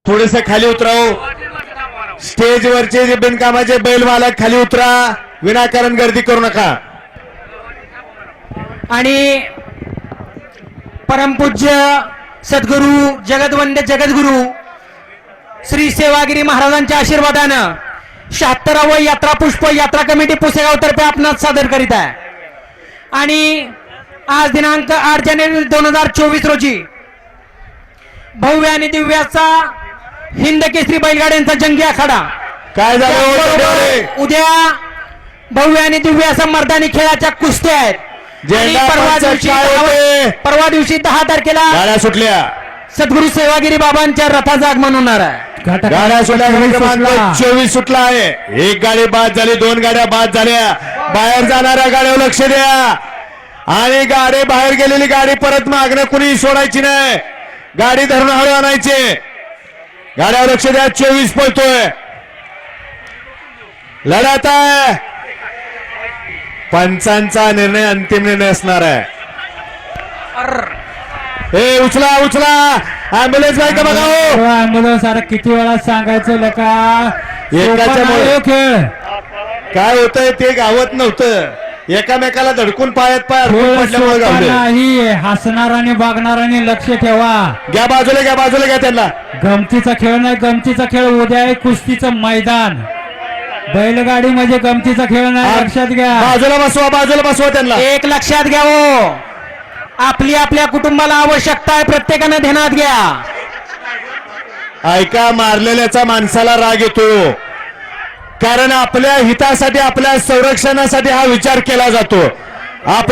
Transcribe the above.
थोडेसे खाली उतराव. स्टेजवरचे जे बिनकामाचे बैल मालक खाली उतरा, विनाकारण गर्दी करू नका. आणि परमपूज्य सद्गुरू जगदवंद्य जगद्गुरू श्री सेवागिरी महाराजांच्या आशीर्वादानं 76व यात्रा पुष्प यात्रा कमिटी पुसेगाव तर्फे आपणास सादर करीत आहे. आणि आज दिनांक 8 जानेवारी 2024 रोजी भव्य आणि दिव्याचा हिंद केसरी बैलगाड्यांचा जंगी आखाडा. काय झालं? उद्या भव्य आणि दिव्य असा मर्दानी खेळाच्या कुस्त्या आहेत. आणि परवा दिवशी 10 तारखेला गाड्या सुटल्या. सद्गुरू सेवागिरी बाबांच्या रथाचं आगमन होणार आहे. गाड्या सुटल्या. क्रमांक 24 सुटला आहे. एक गाडी बाद झाली, 2 गाड्या बाद झाल्या. बाहेर जाणाऱ्या गाड्यावर लक्ष द्या. आणि गाडी बाहेर गेलेली गाडी परत मागणं कुणी सोडायची नाही. गाडी धरून हळू आणायची. गाड्यावर लक्ष द्या. 24 पळतोय. लढत आहे. पंचांचा निर्णय अंतिम निर्णय असणार आहे. हे उचला उचला. अँब्युलन्स नाही का बघा. हो अँब्युलन्स. अरे किती वेळा सांगायचं लका एकाच्यामुळे खेळ काय होतंय ते गावत नव्हतं. एकामेकाला धडकून पायात पाय पडल्यामुळे गावले. नाही. हसणाराने बागणाराने लक्ष ठेवा. घ्या बाजूला, घ्या बाजूला, घ्या त्यांना. गमतीचा खेळ नाही. गमतीचा खेळ उद्या आहे कुस्तीचं मैदान. बैलगाडी म्हणजे गमतीचा खेळ नाही. लक्षात घ्या. बाजूला बसवा, बाजूला बसवा त्यांना. एक लक्षात घ्या हो, आपली आपल्या कुटुंबाला आवश्यकता आहे, प्रत्येकानं ध्यानात घ्या. ऐका, मारलेल्याचा माणसाला राग येतो, कारण आपल्या हितासाठी आपल्या संरक्षणासाठी हा विचार केला जातो.